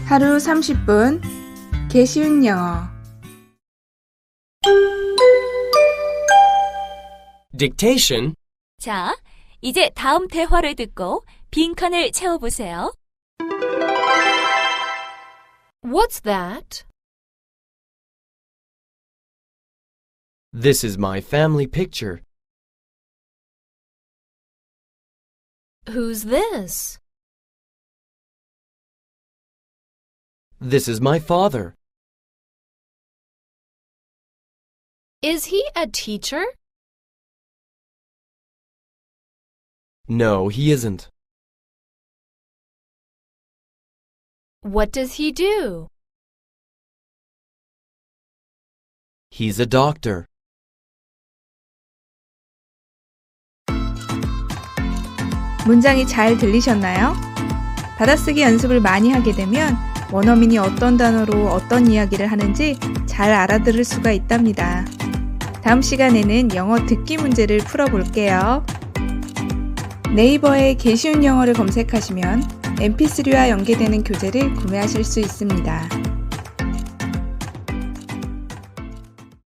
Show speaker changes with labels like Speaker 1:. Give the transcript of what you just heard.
Speaker 1: 하루 30분 개쉬운 영어
Speaker 2: Dictation.
Speaker 3: 자, 이제 다음 대화를 듣고 빈칸을 채워보세요.
Speaker 4: What's that?
Speaker 2: This is my family picture.
Speaker 4: Who's this?
Speaker 2: This is my father.
Speaker 4: Is he a teacher?
Speaker 2: No, he isn't.
Speaker 4: What does he do?
Speaker 2: He's a doctor.
Speaker 1: 문장이 잘 들리셨나요? 받아쓰기 연습을 많이 하게 되면 원어민이 어떤 단어로 어떤 이야기를 하는지 잘 알아들을 수가 있답니다. 다음 시간에는 영어 듣기 문제를 풀어볼게요. 네이버에 개쉬운 영어를 검색하시면 mp3와 연계되는 교재를 구매하실 수 있습니다.